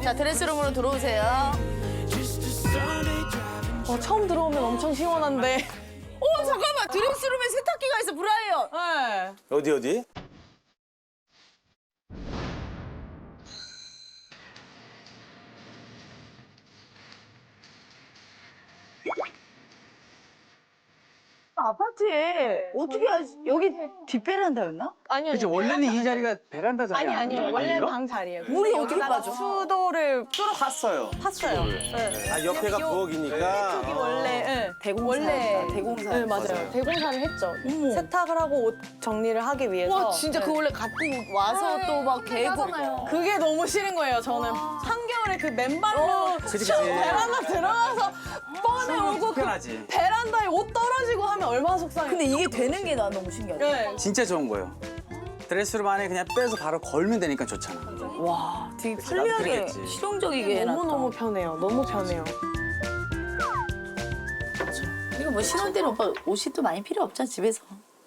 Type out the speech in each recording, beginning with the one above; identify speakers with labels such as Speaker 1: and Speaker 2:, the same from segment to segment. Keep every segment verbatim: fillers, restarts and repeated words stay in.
Speaker 1: 자, 드레스룸으로 들어오세요.
Speaker 2: 어, 처음 들어오면 엄청 시원한데.
Speaker 1: 오, 잠깐만. 드레스룸에 세탁기가 있어, 브라이언.
Speaker 2: 네.
Speaker 3: 어디 어디?
Speaker 1: 아파트에 어떻게 하지? 여기 뒷베란다였나?
Speaker 2: 아니요.
Speaker 4: 그치 원래는 이 자리가 베란다 자리
Speaker 2: 아니, 아니요. 원래
Speaker 4: 아닌가?
Speaker 2: 방 자리예요.
Speaker 1: 물이
Speaker 2: 근데
Speaker 1: 어떻게
Speaker 2: 여기다가
Speaker 1: 빠져?
Speaker 2: 수도를
Speaker 3: 팠어요.
Speaker 2: 팠어요. 네.
Speaker 3: 아 옆에가
Speaker 2: 요-
Speaker 3: 부엌이니까.
Speaker 2: 여기 원래 네.
Speaker 1: 대공사.
Speaker 2: 원래
Speaker 1: 대공사.
Speaker 2: 네, 맞아요. 대공사를 했죠. 세탁을 하고 옷 정리를 하기 위해서.
Speaker 1: 와, 진짜
Speaker 2: 네.
Speaker 1: 그 원래 갖고 와서 또 막 개고.
Speaker 2: 그게 너무 싫은 거예요, 저는. 한겨울에 그 맨발로
Speaker 4: 그치, 그치.
Speaker 2: 베란다 들어가서 뻔해 오고 그
Speaker 4: 불편하지.
Speaker 2: 베란다에 옷 떨어지고 하면 얼마나 속상해.
Speaker 1: 근데 이게 되는 게 나 너무 신기하다.
Speaker 2: 네.
Speaker 4: 진짜 좋은 거예요. 드레스룸 안에 그냥 빼서 바로 걸면 되니까 좋잖아.
Speaker 1: 와, 되게
Speaker 4: 나도
Speaker 1: 편리하게,
Speaker 4: 그랬겠지.
Speaker 1: 실용적이게 해놨다.
Speaker 2: 너무너무 편해요. 너무 편해요.
Speaker 1: 이거 뭐 신혼 때는 오빠 옷이 또 많이 필요 없잖아, 집에서.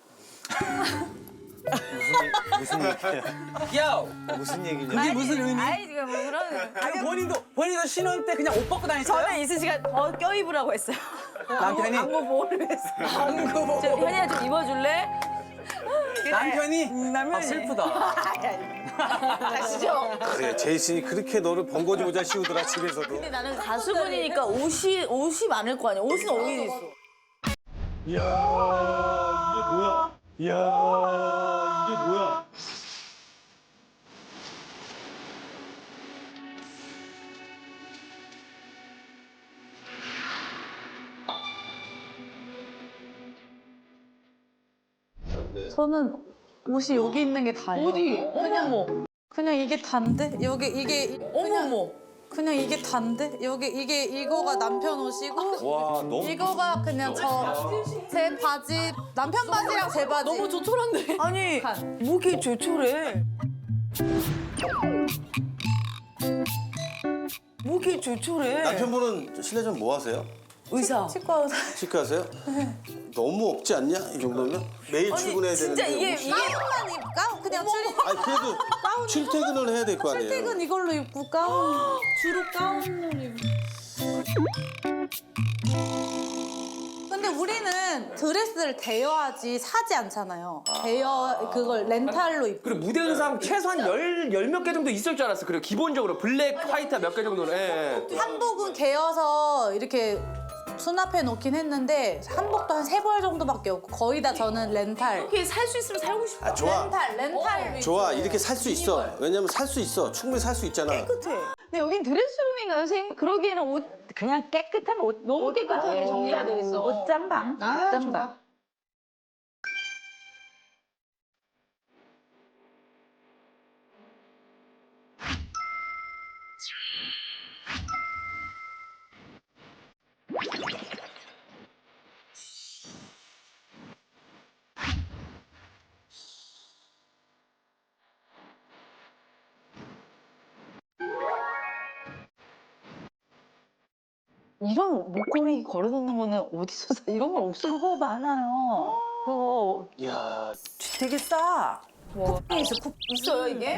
Speaker 3: 무슨 얘기야?
Speaker 4: 야,
Speaker 3: 무슨 얘기냐?
Speaker 4: 그게 무슨 의미?
Speaker 1: 아이, 지금 뭐 그런.
Speaker 4: 아니, 본인도 본인도 신혼 때 그냥 옷 벗고 다녔어요?
Speaker 1: 저는 이슬 씨가 더 껴입으라고 했어요.
Speaker 4: 남편이
Speaker 1: 안구 보호를 했어요. 안구 보호. 현이야 좀 입어줄래?
Speaker 4: 남편이
Speaker 1: 남편이.
Speaker 4: 아, 슬프다.
Speaker 1: 가시죠.
Speaker 3: 그래 제이슨이 그렇게 너를 번거지 모자 씌우더라 집에서도.
Speaker 1: 근데 나는 가수분이니까 옷이 옷이 많을 거 아니야. 옷은 어디 있어?
Speaker 5: 이야 이게 뭐야? 이야 이게 뭐야?
Speaker 6: 저는 옷이 여기 있는 게 다예요.
Speaker 1: 어디? 어머머.
Speaker 6: 그냥 이게 단데 여기 이게
Speaker 1: 어머머.
Speaker 6: 그냥 이게 단데 여기 이게 이거가 남편 옷이고
Speaker 3: 와 너무.
Speaker 6: 이거가 그냥 저 제 바지 남편 바지랑 제 바지.
Speaker 1: 너무 조촐한데. 아니 뭐 이렇게 조촐해? 뭐 이렇게 조촐해?
Speaker 3: 남편분은 실례전 뭐 하세요?
Speaker 1: 의사.
Speaker 6: 치과 의사.
Speaker 3: 치과 하세요? 너무 없지 않냐 이 정도면? 매일 출근해야
Speaker 1: 진짜
Speaker 3: 되는데.
Speaker 1: 이게
Speaker 3: 옷이-
Speaker 1: 이게
Speaker 6: 가운만 입까? 그냥 출,
Speaker 3: 아니 그래도 출퇴근을 해야 될 거 아니에요.
Speaker 6: 출퇴근 이걸로 입고 가운 주로 가운을 입고. 근데 우리는 드레스를 대여하지 사지 않잖아요. 대여 그걸 렌탈로 입고.
Speaker 7: 그리고 무대 의상 최소한 열, 열 몇 개 정도 있을 줄 알았어. 그리고 기본적으로 블랙, 화이트 몇 개 정도는. 예, 예.
Speaker 6: 한복은 개여서 이렇게 수납해 놓긴 했는데 한복도 한 세 벌 정도밖에 없고 거의 다 저는 렌탈.
Speaker 1: 이렇게 살 수 있으면 살고 싶어.
Speaker 3: 아 좋아.
Speaker 6: 렌탈, 렌탈.
Speaker 3: 좋아 이렇게 살 수 있어. 왜냐면 살 수 있어. 충분히 살 수 있잖아.
Speaker 8: 근데 여긴 드레스룸인가요, 선생님? 그러기에는 옷 그냥 깨끗한 옷 너무 깨끗하게 정리가 돼 있어. 옷장방. 옷장방. 이런 목걸이 걸어놓는 거는 어디서 사? 이런 건 없어요. 그거 많아요. 그거
Speaker 3: 이야
Speaker 1: 되게 싸. 쿠팡에 있어. 쿠... 있어요 이게?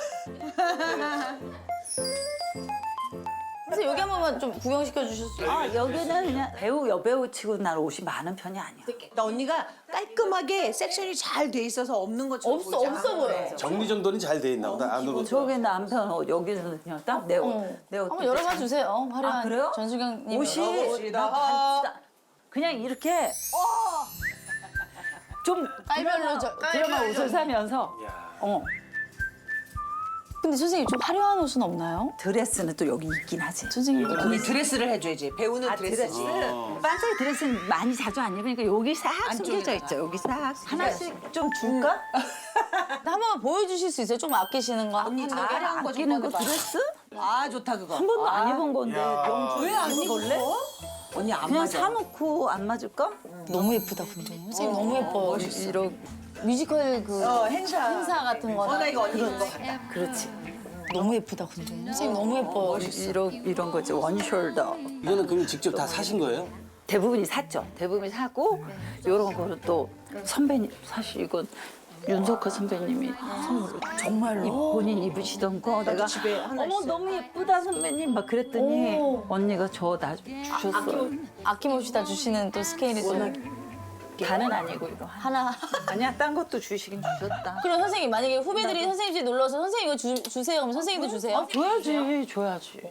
Speaker 1: 그래서 여기 한 번만 좀 구경시켜 주셨어요.
Speaker 9: 아, 여기는 그냥 배우, 여배우 치고 난 옷이 많은 편이 아니야.
Speaker 10: 나 언니가 깔끔하게 섹션이 잘 돼 있어서 없는 것처럼
Speaker 1: 없어
Speaker 10: 보이지
Speaker 1: 없어
Speaker 10: 않아.
Speaker 1: 보여.
Speaker 3: 정리정돈이 잘 돼 있나 보다 안으로.
Speaker 9: 저기 남편 옷, 여기는 그냥 딱 내 옷. 내 옷.
Speaker 1: 한번 열어봐 주세요. 화려한
Speaker 9: 아, 그래요?
Speaker 1: 전수경님
Speaker 9: 옷이 나 반지다. 그냥 이렇게 좀
Speaker 1: 깔별로 저
Speaker 9: 드라마 옷을 사면서 어
Speaker 1: 근데 선생님 좀 화려한 옷은 없나요?
Speaker 9: 드레스는 또 여기 있긴 하지.
Speaker 1: 선생님
Speaker 10: 언니 드레스를 해줘야지. 배우는
Speaker 9: 아,
Speaker 10: 드레스지.
Speaker 9: 드레스. 반짝이 드레스는 많이 자주 안 입으니까 여기 싹 숨겨져 있죠. 여기 싹. 하나씩 좀 줄까?
Speaker 1: 한번 보여주실 수 있어요? 좀 아끼시는 거.
Speaker 10: 언니
Speaker 1: 한
Speaker 10: 저
Speaker 1: 개?
Speaker 10: 화려한 거
Speaker 9: 아끼는
Speaker 10: 좀
Speaker 9: 거
Speaker 10: 해봐.
Speaker 9: 드레스?
Speaker 10: 아 좋다 그거.
Speaker 9: 한 번도 안 입은 건데 너무
Speaker 10: 왜안
Speaker 9: 입을래?
Speaker 10: 언니 안
Speaker 9: 그냥
Speaker 10: 맞아.
Speaker 9: 사놓고 안 맞을까?
Speaker 1: 너무 예쁘다 근데. 선생님 너무 예뻐요.
Speaker 9: 이런
Speaker 1: 뮤지컬 그
Speaker 10: 어, 행사.
Speaker 1: 행사 같은 거나.
Speaker 10: 어, 나 이거 언니 입은 거 같다.
Speaker 9: 그렇지.
Speaker 1: 너무 예쁘다 근데. 선생님 너무 예뻐요.
Speaker 9: 이런 이런 거지 원숄더.
Speaker 3: 이거는 그럼 직접 다 사신 거예요?
Speaker 9: 대부분이 샀죠. 대부분이 사고 이런 거는 또 선배님 사실 이건 윤석호 선배님이 선물로 정말로 본인 입으시던 거 내가 어머 너무 예쁘다 선배님 막 그랬더니 언니가 저 나 주셨어요.
Speaker 1: 아낌없이 다 주시는 또 스케일이 또.
Speaker 9: 다는 아니고 이거
Speaker 1: 하나.
Speaker 9: 아니야 딴 것도 주시긴 주셨다.
Speaker 1: 그럼 선생님 만약에 후배들이 선생님 집에 놀러 와서 선생님 이거 주, 주세요. 그럼 선생님도 주세요?
Speaker 9: 줘야지 줘야지.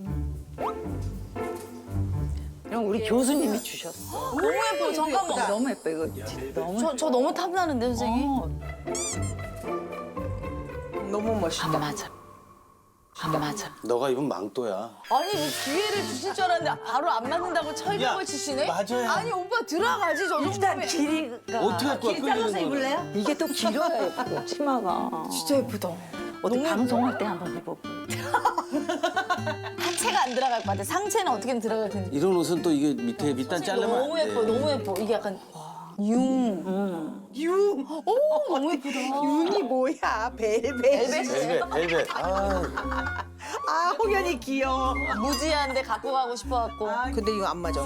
Speaker 9: 이런 우리 교수님이 주셨어.
Speaker 1: 너무 예뻐요. 잠깐만.
Speaker 9: 너무 예뻐 이거 진짜 너무.
Speaker 1: 저, 저 너무 탐나는데 선생님?
Speaker 9: 어,
Speaker 10: 너무 멋있다.
Speaker 9: 안 맞아. 안 맞아.
Speaker 3: 너가 입은 망토야.
Speaker 1: 아니 뭐 기회를 주실 줄 알았는데 바로 안 맞는다고 철벽을 치시네?
Speaker 3: 맞아야.
Speaker 1: 아니 오빠 들어가지 저
Speaker 9: 일단
Speaker 1: 정도면.
Speaker 9: 길이가
Speaker 3: 어떻게 할 거야? 잘라서 입을래요?
Speaker 9: 이게 또 길어야 예쁘고 치마가.
Speaker 1: 진짜 예쁘다.
Speaker 9: 어디 방송할 때 한번 입어보.
Speaker 1: 하체가 안 들어갈 것 같아. 상체는 어떻게든 들어갈 텐데.
Speaker 3: 이런 옷은 또 이게 밑에 밑단 자르면
Speaker 1: 너무
Speaker 3: 안 돼.
Speaker 1: 예뻐, 너무 예뻐. 이게 약간 융. 융. 오, 너무 예쁘다.
Speaker 10: 윤이 뭐야? 벨벳.
Speaker 3: 벨벳, 벨벳. 아,
Speaker 10: 아, 홍현이 귀여워.
Speaker 1: 무지한데 갖고 가고 싶어갖고.
Speaker 10: 근데 이거 안 맞아.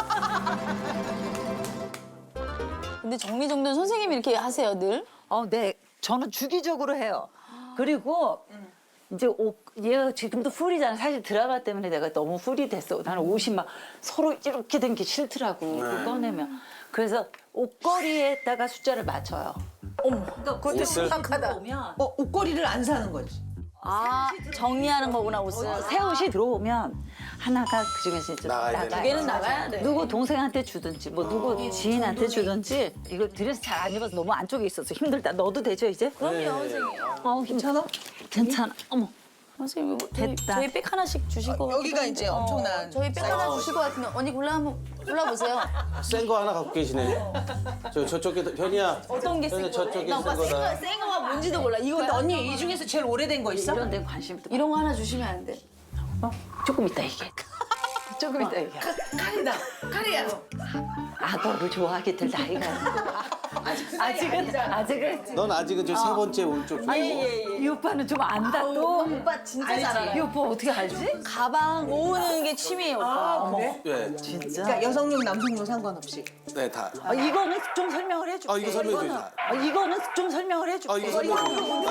Speaker 1: 근데 정리정돈 선생님이 이렇게 하세요, 늘?
Speaker 9: 어, 네. 저는 주기적으로 해요. 그리고 이제 옷, 얘가 지금도 풀이잖아. 사실 드라마 때문에 내가 너무 풀이 됐어. 나는 옷이 막 서로 이렇게 된 게 싫더라고. 그거 꺼내면. 그래서 옷걸이에다가 숫자를 맞춰요.
Speaker 1: 어머, 그것도 심각하다.
Speaker 9: 보면
Speaker 10: 어, 옷걸이를 안 사는 거지.
Speaker 1: 아, 정리하는 거구나, 옷을.
Speaker 9: 새 옷이 들어오면 하나가 그중에서 이제
Speaker 3: 나가야
Speaker 9: 나가요.
Speaker 3: 되네.
Speaker 1: 두 개는 나가야 돼.
Speaker 9: 누구 동생한테 주든지 뭐 누구 지인한테 주든지 이거 드레스 잘 안 입어서 너무 안쪽에 있어서 힘들다. 넣어도 되죠 이제?
Speaker 1: 그럼요, 선생님.
Speaker 9: 어 괜찮아? 괜찮아. 어머
Speaker 1: 선생님, 이거 저희,
Speaker 9: 됐다.
Speaker 1: 저희 백 하나씩 주시고.
Speaker 10: 여기가 이제 엄청난.
Speaker 1: 저희 백 하나 주실 것 같은데 언니 골라 한번 골라보세요.
Speaker 3: 센 거 하나 갖고 계시네. 저 저쪽에 현이야.
Speaker 1: 어떤 게
Speaker 3: 현이
Speaker 1: 센 거예요?
Speaker 3: 저쪽에
Speaker 1: 나 오빠
Speaker 3: 센
Speaker 1: 센
Speaker 3: 거다.
Speaker 1: 거, 센 거가 뭔지도 몰라. 이거
Speaker 10: 근데 언니 이 중에서 제일 오래된 거 있어?
Speaker 9: 이런 데 관심도
Speaker 1: 이런 거 하나 주시면 안 돼.
Speaker 9: 어? 조금 이따 얘기해. 조금 이따 얘기해.
Speaker 10: 칼이다. 칼이야.
Speaker 9: 악어를 좋아하게 될 나이가 아직은 아직은
Speaker 3: 넌 아직은 저 세 번째 오른쪽 줄.
Speaker 9: 이 오빠는 좀 안다 또.
Speaker 1: 오빠 진짜 잘 알아요.
Speaker 9: 이 오빠 어떻게 알지?
Speaker 1: 가방 모으는 게 취미예요, 오빠.
Speaker 10: 그래?
Speaker 3: 네,
Speaker 9: 진짜.
Speaker 10: 그러니까 여성용, 남성용 상관없이.
Speaker 3: 네 다.
Speaker 9: 어, 이거는 좀 설명을 해줄게.
Speaker 3: 아, 이거 설명해
Speaker 9: 이거는-
Speaker 3: 줘요.
Speaker 9: 어, 이거는 좀 설명을 해줄게.
Speaker 3: 아 이거 설명. 아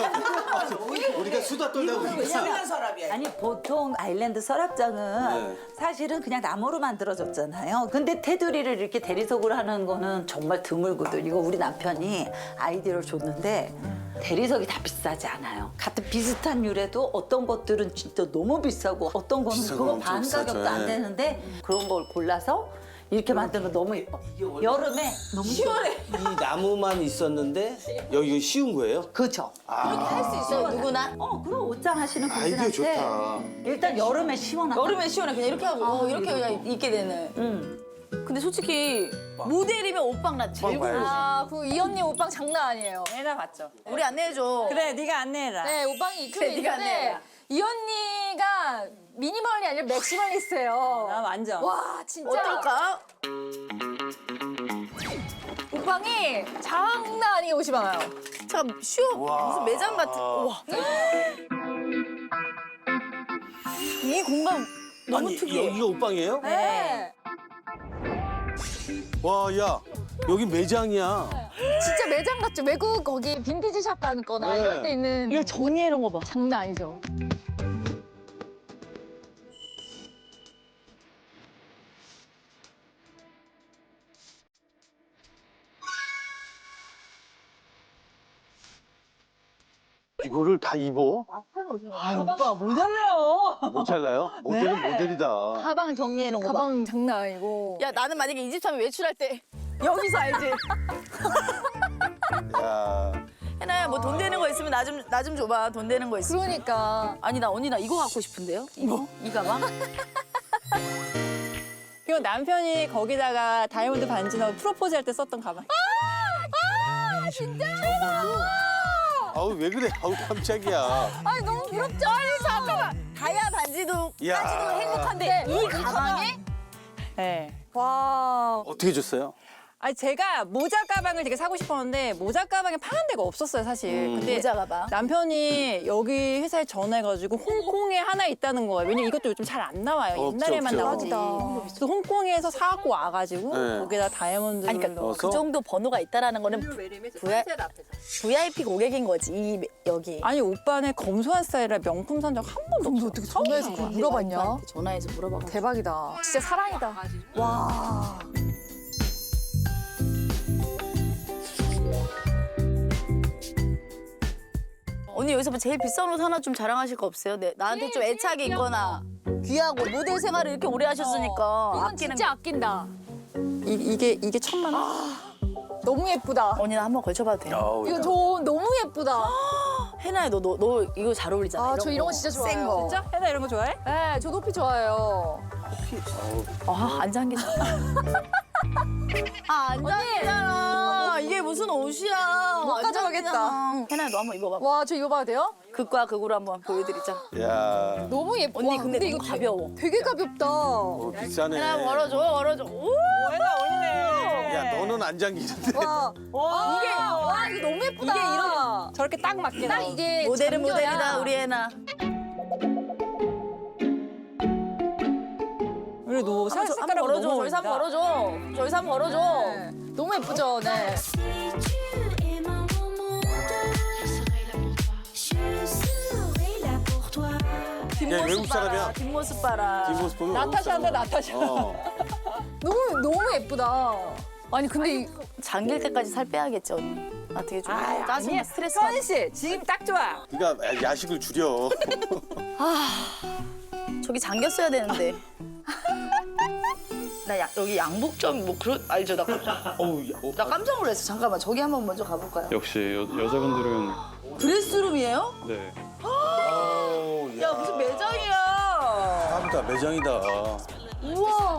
Speaker 3: 이거 우리가 수다 떨다 보니까.
Speaker 10: 시원한 서랍이야.
Speaker 9: 아니 보통 아일랜드 서랍장은
Speaker 3: 네.
Speaker 9: 사실은 그냥 나무로 만들어졌잖아요. 근데 테두리를 이렇게 대리석으로 하는 거는 정말 드물거든. 이거 우리 남편이 아이디어를 줬는데 대리석이 다 비싸지 않아요. 같은 비슷한 유래도 어떤 것들은 진짜 너무 비싸고 어떤 거는
Speaker 3: 비싼
Speaker 9: 그거
Speaker 3: 건 엄청
Speaker 9: 반
Speaker 3: 비싸죠.
Speaker 9: 가격도 안
Speaker 3: 예.
Speaker 9: 되는데 그런 걸 골라서 이렇게 만드는 거 너무 예뻐. 여름에 너무 시원해.
Speaker 3: 이 나무만 있었는데 여기 이거 씌운 거예요?
Speaker 9: 그렇죠.
Speaker 1: 할 수 있어요, 누구나.
Speaker 9: 어, 그럼 옷장 하시는
Speaker 3: 아이디어
Speaker 9: 분들한테
Speaker 3: 좋다.
Speaker 9: 일단 여름에 시원하다.
Speaker 1: 여름에 시원해. 그냥 이렇게 하고 어, 이렇게 그냥 입게 되는.
Speaker 9: 응.
Speaker 1: 근데 솔직히 모델이면 옷방 나 제일
Speaker 3: 봐야지.
Speaker 1: 궁금해.
Speaker 2: 아, 그 이 언니 옷방 장난 아니에요.
Speaker 6: 내가 봤죠.
Speaker 1: 우리 안내해줘.
Speaker 6: 그래, 네가 안내해라.
Speaker 2: 네, 옷방이 이쪽에
Speaker 1: 네가
Speaker 2: 있는데
Speaker 1: 안내해라.
Speaker 2: 이 언니가 미니멀이 아니라 맥시멀리스트예요.
Speaker 6: 나 완전.
Speaker 2: 와, 진짜.
Speaker 1: 어떨까?
Speaker 2: 옷방이 장난 아니게 옷이 많아요.
Speaker 1: 잠깐 쉬어. 무슨 매장 같은. 우와. 이 공간 너무
Speaker 3: 아니
Speaker 1: 특이해.
Speaker 3: 여기가 옷방이에요?
Speaker 2: 네.
Speaker 3: 와, 야, 여기 매장이야.
Speaker 2: 진짜 매장 같죠? 외국 거기 빈티지 샵 가는 거나
Speaker 3: 네.
Speaker 2: 이럴 때 있는
Speaker 1: 이거 정리해 놓은 거 봐.
Speaker 2: 장난 아니죠?
Speaker 3: 이거를 다 입어?
Speaker 6: 오빠 못 알아요.
Speaker 3: 못 잘라요? 모델은 모델이다.
Speaker 1: 가방 정리해 놓은 거 봐.
Speaker 2: 가방 장난 아니고.
Speaker 1: 야 나는 만약에 이 집 사면 외출할 때 여기서 알지?
Speaker 3: 야,
Speaker 1: 해나야 뭐 돈 되는 거 있으면 나 좀 나 좀 줘봐. 돈 되는 거 있으면.
Speaker 2: 그러니까.
Speaker 1: 아니 나 언니 나 이거 갖고 싶은데요? 이거? 이 가방?
Speaker 6: 이거 남편이 거기다가 다이아몬드 반지 넣고 프로포즈 할 때 썼던 가방.
Speaker 3: 아우 왜 그래? 아우 깜짝이야.
Speaker 2: 아니, 너무 부럽죠? 아니, 잠깐만.
Speaker 1: 다이아 반지도
Speaker 3: 야.
Speaker 1: 까지도 행복한데 이 가방에
Speaker 6: 네.
Speaker 2: 와.
Speaker 3: 어떻게 줬어요?
Speaker 1: 아니 제가 모자 가방을 되게 사고 싶었는데 모자 가방에 파는 데가 없었어요 사실. 근데
Speaker 6: 모자 가방.
Speaker 1: 남편이 여기 회사에 전화해가지고 홍콩에 하나 있다는 거예요. 왜냐면 이것도 요즘 잘 안 나와요.
Speaker 3: 없죠,
Speaker 1: 옛날에만
Speaker 3: 없죠.
Speaker 1: 나오지. 그래서 홍콩에서 사갖고 와가지고
Speaker 3: 네.
Speaker 1: 거기다 다이아몬드를
Speaker 6: 아니, 그러니까
Speaker 3: 넣어서?
Speaker 6: 그 정도 번호가 있다라는 거는 브이아이, 브이아이피 고객인 거지 이 여기.
Speaker 1: 아니 오빠는 검소한 스타일이라 명품 산 적 한 번도 없어. 어떻게
Speaker 6: 전화해서 물어봤냐? 전화해서 물어봐.
Speaker 1: 대박이다.
Speaker 6: 진짜 사랑이다. 와. 언니 여기서 뭐 제일 비싼 옷 하나 좀 자랑하실 거 없어요? 네, 나한테 좀 애착이 있거나 귀하고 모델 생활을 이렇게 오래 하셨으니까 아끼는 거.
Speaker 8: 아낀다.
Speaker 1: 이, 이게 이게 천만 원? 너무 예쁘다.
Speaker 6: 언니 나 한번 걸쳐봐도 돼요?
Speaker 3: 아우, 야.
Speaker 1: 저 너무 예쁘다.
Speaker 6: 해나야 너, 너, 너 이거 잘 어울리잖아.
Speaker 1: 아, 저 이런 거 진짜 좋아해요.
Speaker 6: 센 거.
Speaker 1: 진짜? 해나 이런 거 좋아해? 네, 저 높이 좋아해요.
Speaker 6: 아, 안 잠기잖아. 아, 안 잠기잖아. 이게 무슨 옷이야.
Speaker 1: 못
Speaker 6: 안
Speaker 1: 가져가겠다.
Speaker 6: 잠기잖아. 해나야 너 한번 입어봐.
Speaker 1: 와, 저 이거 봐도 돼요?
Speaker 6: 극과 극으로 한번 보여드리자.
Speaker 3: 야,
Speaker 1: 너무 예뻐.
Speaker 6: 언니 근데, 너무 가벼워.
Speaker 1: 되게 가볍다.
Speaker 3: 어, 비싸네.
Speaker 6: 해나 걸어줘, 걸어줘. 오!
Speaker 1: 해나 언니네.
Speaker 3: 야, 너는 안 잠기는데.
Speaker 1: 와, 와, 이게 와 이거 너무 예쁘다. 이게 이런 저렇게 딱 맞게 딱 이게
Speaker 6: 모델은
Speaker 1: 잠겨야.
Speaker 6: 모델이다, 우리 해나.
Speaker 1: 그래도 살
Speaker 6: 한번
Speaker 1: 색깔하고
Speaker 6: 걸어줘,
Speaker 1: 너무
Speaker 6: 저희 삼
Speaker 1: 어울린다.
Speaker 6: 걸어줘. 저희 삼 걸어줘.
Speaker 1: 네. 너무 예쁘죠, 네.
Speaker 3: 야, 외국 사람이야.
Speaker 6: 뒷모습 봐라.
Speaker 3: 뒷모습 보면
Speaker 1: 나타샤인데 나타샤.
Speaker 3: 어.
Speaker 1: 너무 너무 예쁘다. 아니 근데 이
Speaker 6: 잠길 때까지 살 빼야겠지, 언니. 나 되게 좀
Speaker 1: 아,
Speaker 6: 짜증나,
Speaker 1: 아니야.
Speaker 6: 스트레스
Speaker 1: 서은
Speaker 6: 받아.
Speaker 1: 씨 지금 딱 좋아.
Speaker 3: 네가 야식을 줄여.
Speaker 6: 저기 잠겼어야 되는데. 나 야, 여기 양복점 뭐 그런 알죠? 나 깜짝,
Speaker 3: 어우, 야, 어.
Speaker 6: 나 깜짝 놀랐어. 잠깐만 저기 한번 먼저 가볼까요?
Speaker 5: 역시 여, 여자분들은
Speaker 6: 드레스룸이에요?
Speaker 5: 네.
Speaker 3: 아우,
Speaker 6: 야 무슨 매장이야?
Speaker 3: 깜다 매장이다.
Speaker 6: 우와.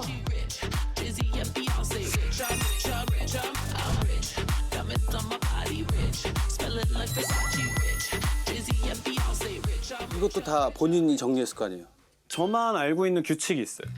Speaker 3: 이것도 다 본인이 정리했을 거 아니에요?
Speaker 5: 저만 알고 있는 규칙이 있어요.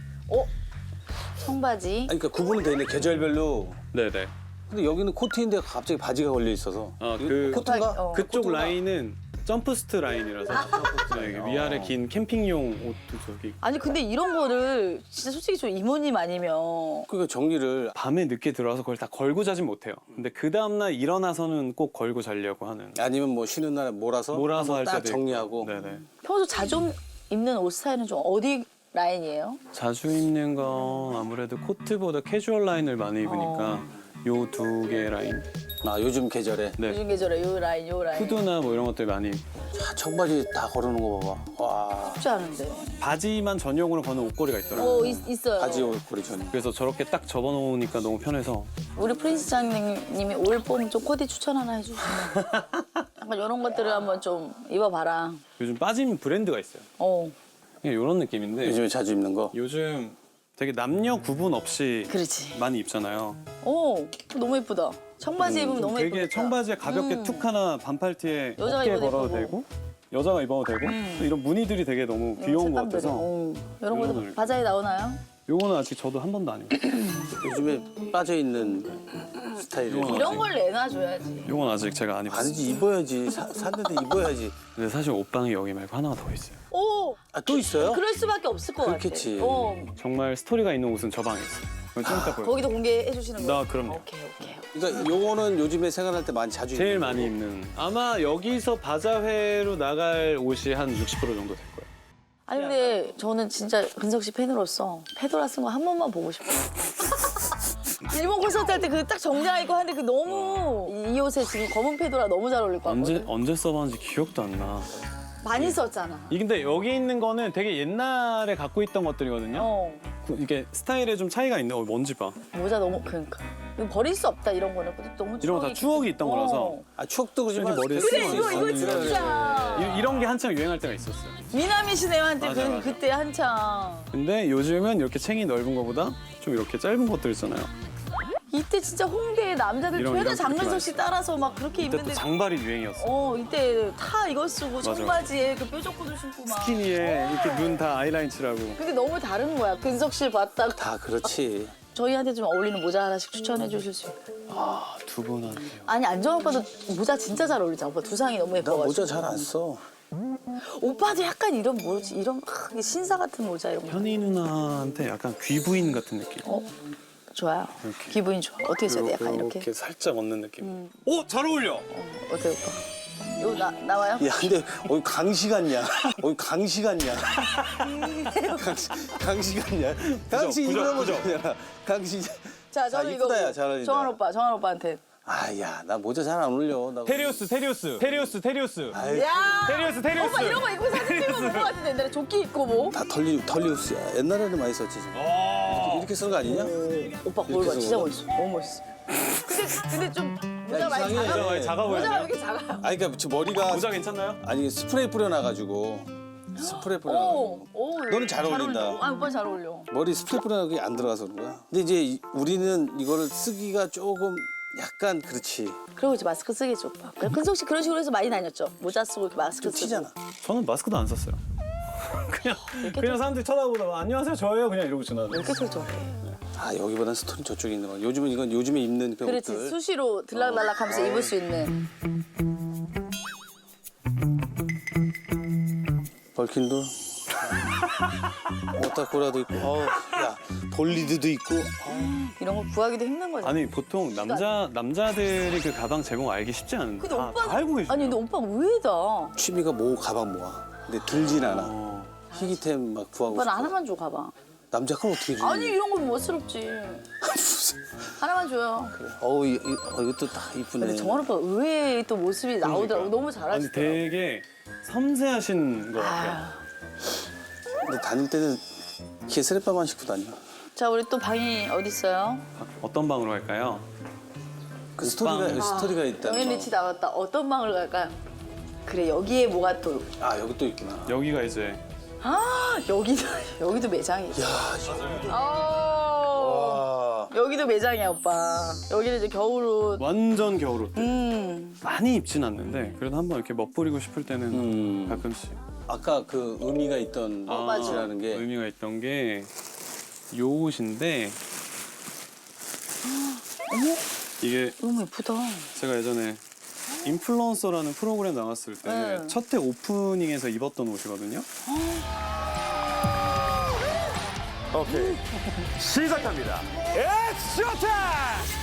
Speaker 6: 청바지.
Speaker 3: 아니, 그러니까 구분은 돼 있네, 계절별로.
Speaker 5: 네네.
Speaker 3: 근데 여기는 코트인데 갑자기 바지가 걸려 있어서.
Speaker 5: 아,
Speaker 3: 이거
Speaker 5: 그-
Speaker 3: 코트인가?
Speaker 6: 어.
Speaker 5: 그쪽
Speaker 3: 코트인가?
Speaker 5: 라인은 점프스트 라인이라서 네, 위아래 긴 캠핑용 옷도 저기
Speaker 6: 아니 근데 이런 거를 진짜 솔직히 저 이모님 아니면
Speaker 3: 그러니까 정리를
Speaker 5: 밤에 늦게 들어와서 그걸 다 걸고 자진 못해요. 근데 그 다음날 일어나서는 꼭 걸고 자려고 하는.
Speaker 3: 아니면 뭐 쉬는 날에 몰아서
Speaker 5: 몰아서 할
Speaker 3: 한번 딱
Speaker 5: 때도
Speaker 3: 정리하고.
Speaker 5: 있고. 네네.
Speaker 6: 평소 자주 입는 옷 스타일은 좀 어디 라인이에요?
Speaker 5: 자주 입는 건 아무래도 코트보다 캐주얼 라인을 많이 입으니까 요 두 개 라인.
Speaker 3: 아, 요즘 계절에.
Speaker 5: 네.
Speaker 6: 요즘 계절에 요 라인 요 라인.
Speaker 5: 후드나 뭐 이런 것들 많이.
Speaker 3: 자, 청바지 다 걸어놓은 거 봐봐. 와,
Speaker 6: 쉽지 않은데.
Speaker 5: 바지만 전용으로 거는 옷걸이가 있더라고요.
Speaker 6: 어 있, 있어요.
Speaker 3: 바지 옷걸이 전.
Speaker 5: 그래서 저렇게 딱 접어놓으니까 너무 편해서.
Speaker 6: 우리 프린스 장님이 올 봄 좀 코디 추천 하나 해주시면. 약간 이런 것들을 한번 좀 입어봐라.
Speaker 5: 요즘 빠진 브랜드가 있어요.
Speaker 6: 어,
Speaker 5: 그냥 이런 느낌인데
Speaker 3: 요즘에 자주 입는 거.
Speaker 5: 요즘 되게 남녀 구분 없이
Speaker 6: 그렇지.
Speaker 5: 많이 입잖아요.
Speaker 6: 오, 너무 예쁘다. 청바지 입으면 너무 예쁘겠다.
Speaker 5: 되게 청바지에 가볍게
Speaker 6: 음.
Speaker 5: 툭 하나 반팔티에
Speaker 6: 여자가
Speaker 5: 어깨에
Speaker 6: 입어도
Speaker 5: 걸어도
Speaker 6: 예쁘고.
Speaker 5: 되고 여자가 입어도 되고 또 이런 무늬들이 되게 너무 귀여운 것
Speaker 6: 색감들이.
Speaker 5: 같아서
Speaker 6: 어, 이런 것도
Speaker 5: 이거를.
Speaker 6: 바자에 나오나요?
Speaker 5: 요거는 아직 저도 한 번도 안 입어요.
Speaker 3: 요즘에 빠져 있는 스타일이에요.
Speaker 5: 이건
Speaker 6: 이런 걸 내놔줘야지.
Speaker 5: 요건 아직 제가 안 입었어요.
Speaker 3: 아니지, 입어야지. 사, 샀는데 입어야지.
Speaker 5: 근데 사실 옷방이 여기 말고 하나가 더 있어요.
Speaker 6: 오,
Speaker 3: 아, 또 있어요?
Speaker 6: 그럴 수밖에 없을 것
Speaker 3: 그렇겠지.
Speaker 6: 같아. 어,
Speaker 5: 정말 스토리가 있는 옷은 저 방에 있어요. 그건 좀 이따 보여요.
Speaker 6: 거기도 공개해 주시는 거예요?
Speaker 5: 나 그럼요.
Speaker 6: 오케이, 오케이.
Speaker 3: 그러니까 요거는 요즘에 생활할 때 많이 자주
Speaker 5: 제일
Speaker 3: 입는
Speaker 5: 많이
Speaker 3: 거고.
Speaker 5: 입는. 아마 여기서 바자회로 나갈 옷이 한 육십 퍼센트 정도 될 거예요.
Speaker 6: 아니 근데 저는 진짜 근석 씨 팬으로서 페도라 쓴 거 한 번만 보고 싶어요. 일본 콘서트 할 때 그 딱 정장 입고 하는데 그 너무 이, 이 옷에 지금 검은 페도라 너무 잘 어울릴 것
Speaker 5: 언제
Speaker 6: 같거든.
Speaker 5: 언제 써봤는지 기억도 안 나.
Speaker 6: 많이 썼잖아.
Speaker 5: 이 근데 여기 있는 거는 되게 옛날에 갖고 있던 것들이거든요.
Speaker 6: 어,
Speaker 5: 그 이게 스타일에 좀 차이가 있네. 어, 뭔지 봐.
Speaker 6: 모자 너무 그러니까 이거 버릴 수 없다 이런 거는 너무
Speaker 5: 이런 거 다 추억이 있던 거라서.
Speaker 6: 어.
Speaker 3: 아, 추억도 그렇지만
Speaker 5: 이렇게 머리에
Speaker 3: 그래,
Speaker 5: 쓰고
Speaker 6: 이거 이거
Speaker 5: 있어요.
Speaker 6: 진짜
Speaker 5: 이, 이런 게 한창 유행할 때가 있었어요.
Speaker 6: 미나미 시네마한테
Speaker 5: 맞아,
Speaker 6: 그,
Speaker 5: 맞아.
Speaker 6: 그때 한창
Speaker 5: 근데 요즘은 이렇게 챙이 넓은 거보다 좀 이렇게 짧은 것들 있잖아요.
Speaker 6: 이때 진짜 홍대에 남자들
Speaker 5: 이런-
Speaker 6: 죄다
Speaker 5: 이런
Speaker 6: 장근석 씨
Speaker 5: 그렇게
Speaker 6: 따라서 막 그렇게
Speaker 5: 그때 또
Speaker 6: 입는데
Speaker 5: 장발이 유행이었어.
Speaker 6: 어 이때 다 이거 쓰고
Speaker 5: 맞아.
Speaker 6: 청바지에 그 뾰족 구두 신고 막
Speaker 5: 스키니에 이렇게 눈 다 아이라인 칠하고.
Speaker 6: 근데 너무 다른 거야 근석 씨 봤다가
Speaker 3: 다 그렇지.
Speaker 6: 저희한테 좀 어울리는 모자 하나씩 추천해 주실 수 있어요?
Speaker 5: 아, 두 분한테요.
Speaker 6: 아니 안정환 오빠도 모자 진짜 잘 어울리잖아. 오빠 두상이 너무
Speaker 3: 나
Speaker 6: 예뻐가지고.
Speaker 3: 모자 잘 안 써.
Speaker 6: 오빠도 약간 이런 뭐지 이런 아, 이게 신사 같은 모자 이런 거.
Speaker 5: 현희 누나한테 약간 귀부인 같은 느낌.
Speaker 6: 어? 좋아요.
Speaker 5: 이렇게.
Speaker 6: 기분이 좋아. 어떻게 써야 돼? 약간 이렇게.
Speaker 5: 이렇게 살짝 얻는 느낌.
Speaker 6: 음.
Speaker 5: 오, 잘 어울려.
Speaker 6: 어때요 오빠? 요 나, 나와요?
Speaker 3: 야, 근데 어이 강시 같냐? 어이 강시 같냐? 강시, 강시 같냐? 강시
Speaker 5: 부적,
Speaker 3: 이런 거
Speaker 5: 부적.
Speaker 3: 좋냐? 강시.
Speaker 6: 자 저는
Speaker 3: 아,
Speaker 6: 이거
Speaker 3: 이쁘다, 야, 잘 어울린다.
Speaker 6: 정한 오빠 정한 오빠한테.
Speaker 3: 아, 야, 나 모자 잘 안 어울려. 나
Speaker 4: 테리우스 테리우스 테리우스 테리우스
Speaker 3: 아이,
Speaker 6: 야
Speaker 4: 테리우스 테리우스.
Speaker 6: 오빠 이런 거 입고 사진 찍으면 볼것 같은데 옛날에 조끼 입고 뭐?
Speaker 3: 다 털리 털리우스야. 옛날에는 많이 썼지. 지금. 이렇게, 이렇게 쓰는 거 아니냐?
Speaker 6: 오빠
Speaker 3: 이렇게
Speaker 6: 거울 봐
Speaker 3: 쓰는
Speaker 6: 진짜
Speaker 3: 거.
Speaker 6: 멋있어. 너무 멋있어. 근데 근데 좀 모자 많이
Speaker 3: 이상해.
Speaker 6: 작아.
Speaker 5: 많이 작아
Speaker 6: 모자가 왜
Speaker 5: 보여요.
Speaker 6: 이렇게 작아요?
Speaker 3: 아니, 그러니까 저 머리가
Speaker 5: 모자 괜찮나요?
Speaker 3: 아니 스프레이 뿌려놔가지고 스프레이 뿌려놔가지고
Speaker 6: 오, 오.
Speaker 3: 너는 잘 어울린다.
Speaker 6: 어울려. 아 오빠 잘 어울려.
Speaker 3: 머리 스프레이 뿌려놔서 안 들어가서 그런 거야. 근데 이제 이- 우리는 이거를 쓰기가 조금 약간 그렇지.
Speaker 6: 그리고 이제 마스크 쓰겠죠 오빠. 그래, 근석 씨 그런 식으로 해서 많이 다녔죠. 모자 쓰고 이렇게 마스크
Speaker 3: 좀
Speaker 6: 쓰고.
Speaker 3: 튀잖아.
Speaker 5: 저는 마스크도 안 썼어요. 그냥 그냥 사람들이 쳐다보다가 안녕하세요 저예요 그냥 이러고 지나가.
Speaker 6: 이렇게 설정해.
Speaker 3: 아, 여기보단 스톤이 저쪽에 있는 거야. 요즘은 이건 요즘에 입는 그
Speaker 6: 그렇지
Speaker 3: 옷들.
Speaker 6: 수시로 들락날락하면서 입을 수 있는.
Speaker 3: 벌킨도 오타쿠라도 있고, 어우, 야 볼리드도 있고.
Speaker 6: 이런 거 구하기도 힘든 거잖아.
Speaker 5: 아니 보통 남자 남자들이 그 가방 제목 알기 쉽지 않은데
Speaker 6: 근데
Speaker 5: 다,
Speaker 6: 오빠는-
Speaker 5: 다 알고 계시죠.
Speaker 6: 아니 근데 오빠 의외다.
Speaker 3: 취미가 모 가방 모아. 근데 들진 않아.
Speaker 5: 어.
Speaker 3: 희귀템 막 구하고
Speaker 6: 오빠는
Speaker 3: 싶어.
Speaker 6: 하나만 줘 가방.
Speaker 3: 남자 건 어떻게 줘?
Speaker 6: 아니 이런 건 멋스럽지. 하나만 줘요.
Speaker 3: 어우, 이, 이, 어, 이것도 다 이쁘네.
Speaker 6: 근데 정한 오빠 의외의 또 모습이 나오더라고. 너무
Speaker 5: 아니
Speaker 6: 잘하시더라고.
Speaker 5: 되게 섬세하신 것 같아요.
Speaker 6: 아유.
Speaker 3: 근데 다닐 때는 개스레빠만 신고 다녀.
Speaker 6: 자 우리 또 방이 어디 있어요?
Speaker 5: 어떤 방으로 갈까요?
Speaker 3: 그 스토리가
Speaker 5: 방.
Speaker 3: 스토리가 있다.
Speaker 6: 영앤 리치 나왔다. 어떤 방을 갈까요? 그래 여기에 뭐가 또.
Speaker 3: 아, 여기 또 있구나.
Speaker 5: 여기가 이제
Speaker 6: 아 여기도 여기도 매장이 있어.
Speaker 3: 야, 여기도.
Speaker 6: 아,
Speaker 3: 와.
Speaker 6: 여기도 매장이야 오빠. 여기는 이제 겨울옷.
Speaker 5: 완전 겨울옷.
Speaker 6: 음.
Speaker 5: 많이 입진 않는데 그래도 한번 이렇게 멋부리고 싶을 때는
Speaker 3: 음.
Speaker 5: 가끔씩.
Speaker 3: 아까 그 의미가 있던
Speaker 6: 어, 맞아.
Speaker 3: 옷이라는 게
Speaker 5: 의미가 있던 게 요 옷인데
Speaker 6: 어머
Speaker 5: 이게
Speaker 6: 너무 예쁘다.
Speaker 5: 제가 예전에 인플루언서라는 프로그램 나왔을 때
Speaker 6: 네.
Speaker 5: 첫 회 오프닝에서 입었던 옷이거든요.
Speaker 7: 오케이. 시작합니다. It's showtime!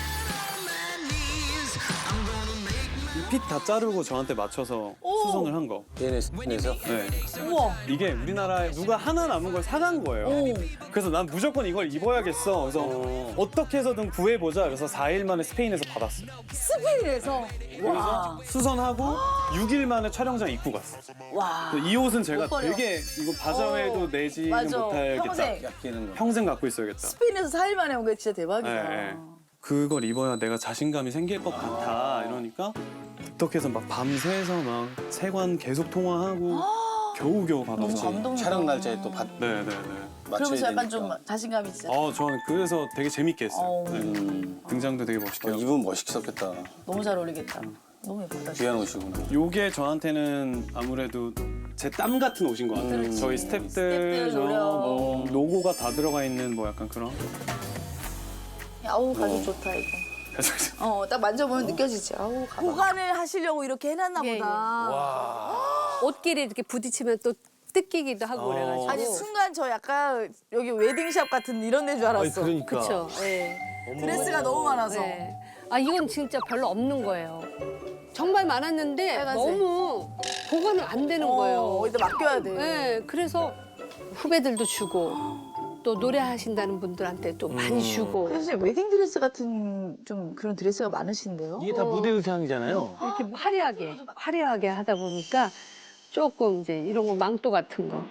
Speaker 5: 이 핏 다 자르고 저한테 맞춰서 수선을 한 거.
Speaker 3: 얘네에서
Speaker 5: 네.
Speaker 6: 우와.
Speaker 5: 이게 우리나라에 누가 하나 남은 걸 사간 거예요.
Speaker 6: 오.
Speaker 5: 그래서 난 무조건 이걸 입어야겠어. 그래서 어. 떻게 해서든 구해보자. 그래서 사 일 만에 스페인에서 받았어요.
Speaker 6: 스페인에서. 와.
Speaker 5: 수선하고 육 일 만에 촬영장 입고 갔어.
Speaker 6: 와.
Speaker 5: 그래서 이 옷은 제가
Speaker 6: 못 버려.
Speaker 5: 되게 이거 바자회도
Speaker 6: 어,
Speaker 5: 내지는
Speaker 6: 맞아.
Speaker 5: 못하겠다.
Speaker 6: 평생.
Speaker 3: 아끼는 거.
Speaker 5: 평생 갖고 있어야겠다.
Speaker 6: 스페인에서 사 일 만에 온 게 진짜 대박이다.
Speaker 5: 네, 네. 그걸 입어야 내가 자신감이 생길 것 같아. 이러니까 어떻게 해서 막 밤새서 막 세관 계속 통화하고 겨우겨우
Speaker 6: 너무
Speaker 5: 받았어.
Speaker 6: 감동이다.
Speaker 3: 촬영 날짜에 또 받,
Speaker 5: 네네네.
Speaker 3: 맞춰야
Speaker 6: 그러면서 약간
Speaker 3: 되니까.
Speaker 6: 좀 자신감이 진짜.
Speaker 5: 어, 저는 그래서 되게 재밌게 했어요.
Speaker 6: 어우.
Speaker 5: 네.
Speaker 3: 음.
Speaker 5: 등장도 되게 멋있게
Speaker 3: 어,
Speaker 5: 하고.
Speaker 3: 입으면 멋있었겠다.
Speaker 6: 너무 잘 어울리겠다. 너무 예쁘다.
Speaker 3: 귀한 옷이구나.
Speaker 5: 요게 저한테는 아무래도 제 땀 같은 옷인 것 같아요.
Speaker 6: 그렇지.
Speaker 5: 저희 스탭들,
Speaker 6: 스탭들
Speaker 5: 저
Speaker 6: 노력.
Speaker 5: 뭐 로고가 다 들어가 있는 뭐 약간 그런.
Speaker 6: 아우 가죽 좋다 이거. 어 딱 만져보면 느껴지지. 아우 가방. 보관을 하시려고 이렇게 해놨나
Speaker 8: 예,
Speaker 6: 보다.
Speaker 8: 옷끼리 이렇게 부딪히면 또 뜯기기도 하고 그래가지고.
Speaker 6: 아니 순간 저 약간 여기 웨딩샵 같은 이런 데인 줄 알았어.
Speaker 3: 그러니까.
Speaker 8: 그렇죠. 예.
Speaker 6: 드레스가 너무 많아서.
Speaker 8: 예. 아 이건 진짜 별로 없는 거예요. 정말 많았는데
Speaker 6: 빨간색.
Speaker 8: 너무 보관을 안 되는 거예요.
Speaker 6: 어, 어디다 맡겨야 돼.
Speaker 8: 예. 그래서 후배들도 주고 또 노래하신다는 분들한테 또 많이 주고.
Speaker 6: 사실 웨딩 드레스 같은 좀 그런 드레스가 많으신데요?
Speaker 4: 이게 다 무대 의상이잖아요.
Speaker 8: 이렇게 화려하게 화려하게 하다 보니까 조금 이제 이런 거 망토 같은 거.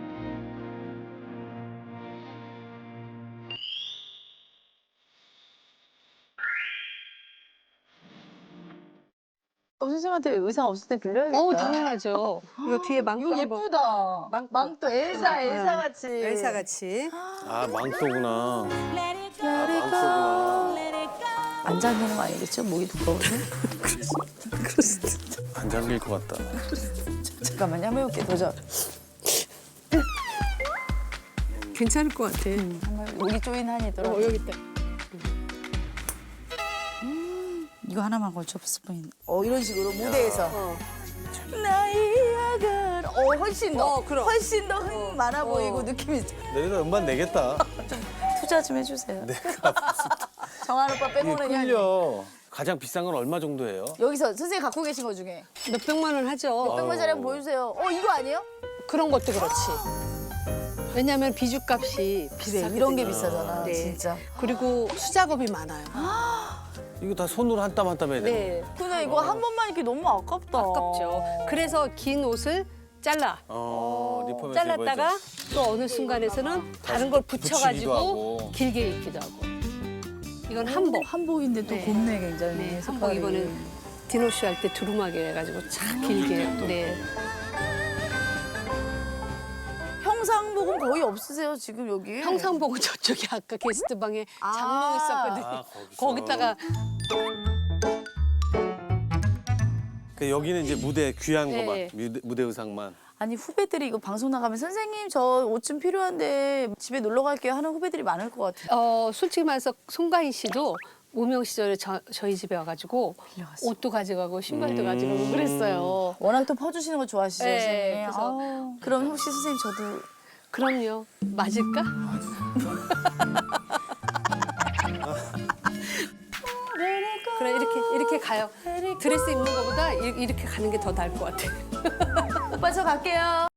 Speaker 6: 어, 선생님한테 의상 없을 때 빌려야겠다.
Speaker 8: 어 당연하죠. 이거 뒤에 망토
Speaker 6: 이거
Speaker 8: 한번.
Speaker 6: 예쁘다. 망, 망토 엘사, 엘사 같이.
Speaker 8: 엘사 같이.
Speaker 3: 아, 망토구나.
Speaker 6: 안 잠기는 거 아니겠죠? 목이 두꺼워서?
Speaker 3: 안 잠길 것 같다.
Speaker 6: 잠깐만요, 한번 해볼게. 도전.
Speaker 11: 괜찮을 것 같아.
Speaker 6: 정말 여기 조인 한이 있더라고.
Speaker 11: 어, 여기 있다.
Speaker 6: 이거 하나만 걸쳐봤을 뿐. 어 이런 식으로 무대에서. 나의 야간. 어 훨씬 더.
Speaker 11: 어, 그럼.
Speaker 6: 훨씬 더 흥 많아 보이고 느낌이.
Speaker 3: 내가 음반 내겠다.
Speaker 6: 투자 좀 해주세요. 정한 오빠 빼고는 그냥
Speaker 3: 끌려. 가장 비싼 건 얼마 정도예요?
Speaker 6: 여기서 선생님 갖고 계신 거 중에
Speaker 11: 몇 백만 원 하죠.
Speaker 6: 몇백만 짜리 한번 보여주세요. 어 이거 아니에요?
Speaker 11: 그런 것도 그렇지. 왜냐하면 비주값이
Speaker 6: 그래
Speaker 11: 비싸.
Speaker 6: 이런 게 비싸잖아
Speaker 11: 네.
Speaker 6: 진짜.
Speaker 11: 그리고 수작업이 많아요.
Speaker 3: 이거 다 손으로 한 땀 한 땀 해야 돼.
Speaker 11: 네.
Speaker 6: 근데 이거 한 번만 이렇게 너무 아깝다.
Speaker 11: 아깝죠. 그래서 긴 옷을 잘라.
Speaker 3: 어, 리폼에서
Speaker 11: 잘랐다가
Speaker 3: 입어야죠.
Speaker 11: 또 어느 순간에서는 다른 걸
Speaker 3: 붙이기도
Speaker 11: 붙여가지고
Speaker 3: 하고.
Speaker 11: 길게 입기도 하고. 이건 한복.
Speaker 6: 한복인데 또
Speaker 11: 네.
Speaker 6: 곱네 굉장히.
Speaker 11: 네, 한복
Speaker 6: 색깔이.
Speaker 11: 이번에 디노쇼 할 때 두루마기 해가지고 참 길게. 네.
Speaker 6: 평상복은 거의 없으세요 지금 여기?
Speaker 11: 평상복은 저쪽에 아까 게스트방에
Speaker 6: 아.
Speaker 11: 장롱 있었거든요.
Speaker 3: 아, 거기서.
Speaker 11: 거기다가
Speaker 3: 그 여기는 이제 무대 귀한
Speaker 11: 네.
Speaker 3: 거만, 무대, 무대 의상만.
Speaker 6: 아니 후배들이 이거 방송 나가면 선생님 저 옷 좀 필요한데 집에 놀러 갈게요 하는 후배들이 많을 것 같아요.
Speaker 11: 어, 솔직히 말해서 송가인 씨도 무명 시절에 저, 저희 집에 와가지고 옷도 가져가고 신발도 가져가고 그랬어요.
Speaker 6: 워낙 또 퍼주시는 거 좋아하시죠
Speaker 11: 네,
Speaker 6: 선생님.
Speaker 11: 그래서-
Speaker 6: 아우, 그럼 혹시 선생님 저도
Speaker 11: 그럼요. 맞을까? 그래 이렇게 이렇게 가요. 드레스 입는 것보다 이- 이렇게 가는 게 더 나을 것 같아.
Speaker 6: 오빠 저 갈게요.